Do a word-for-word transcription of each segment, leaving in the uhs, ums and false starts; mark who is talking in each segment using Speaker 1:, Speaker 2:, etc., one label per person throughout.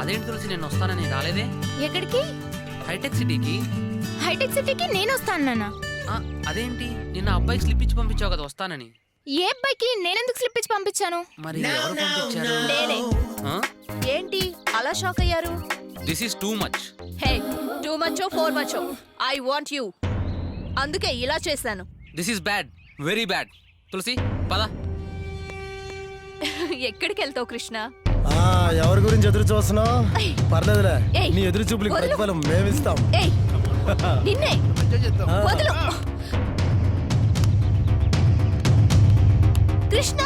Speaker 1: అదేంటి తులసి, నేను వస్తానని రాలేదే?
Speaker 2: ఎక్కడికి?
Speaker 1: హైటెక్ సిటీకి.
Speaker 2: హైటెక్ సిటీకి నేను వస్తాను నాన్న.
Speaker 1: అదేంటి, నిన్న అబ్బాయికి స్లిప్ ఇచ్చి పంపించావు కదా వస్తానని.
Speaker 2: ఏ అబ్బాయికి నేనెందుకు స్లిప్ ఇచ్చి పంపించాను?
Speaker 1: మరి ఎవరు పంపించారు?
Speaker 3: నేనే. ఏంటి అలా షాక్ అయ్యారు?
Speaker 1: This is too much.
Speaker 3: Hey, too macho for macho, I want you. అందుకే ఇలా చేశాను.
Speaker 1: This is bad, very bad. Tulasi పద.
Speaker 3: ఎక్కడికి వెళ్తావు కృష్ణ?
Speaker 4: ఎవరి గురించి ఎదురు చూస్తున్నావు? పర్లేదులే, నీ ఎదురు చూపులకి ప్రతిఫలం మేమిస్తాం.
Speaker 3: నిన్నే వదులు Krishna.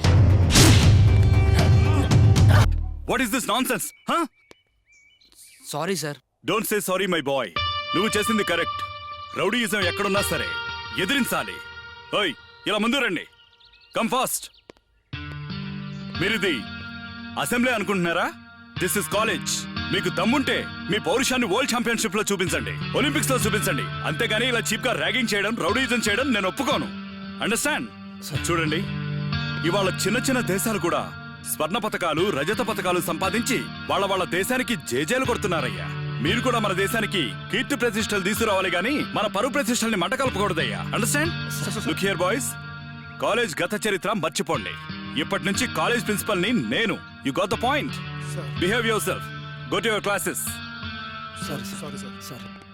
Speaker 5: What is this nonsense?
Speaker 1: Sorry sir.
Speaker 5: Don't say sorry my boy. నువ్వు చేసింది కరెక్ట్. రౌడీయిజం ఎక్కడున్నా సరే ఎదిరించాలి. ఓయ్, ఇలా ముందు రండి. Come fast. మీరిది అసెంబ్లీ అనుకుంటున్నారా? This is college. మీకు దమ్ముంటే మీ పౌరుషాన్ని వరల్డ్ ఛాంపియన్షిప్ లో చూపించండి, ఒలింపిక్స్ లో చూపించండి. అంతేగాని ఇలా చీప్ గా ర్యాగింగ్ చేయడం, రౌడీయిజం చేయడం నేను ఒప్పుకోను. అండర్స్టాండ్? చూడండి, ఇవాళ చిన్న చిన్న దేశాలు కూడా స్వర్ణ పతకాలు, రజత పతకాలు సంపాదించి వాళ్ళ వాళ్ళ దేశానికి జేజేలు కొడుతున్నారయ్యా. మీరు కూడా మన దేశానికి కీర్తి ప్రతిష్టలు తీసుకురావాలి గాని మన పరువు ప్రతిష్టల్ని మంట కలపకూడదయ్యా. Understand? Look here boys, college గత చరిత్ర మర్చిపోండి. ఇప్పటి నుంచి కాలేజ్ ప్రిన్సిపల్ ని నేను. You got the point? Behave yourself. Go to your classes.
Speaker 4: Sorry sorry sir.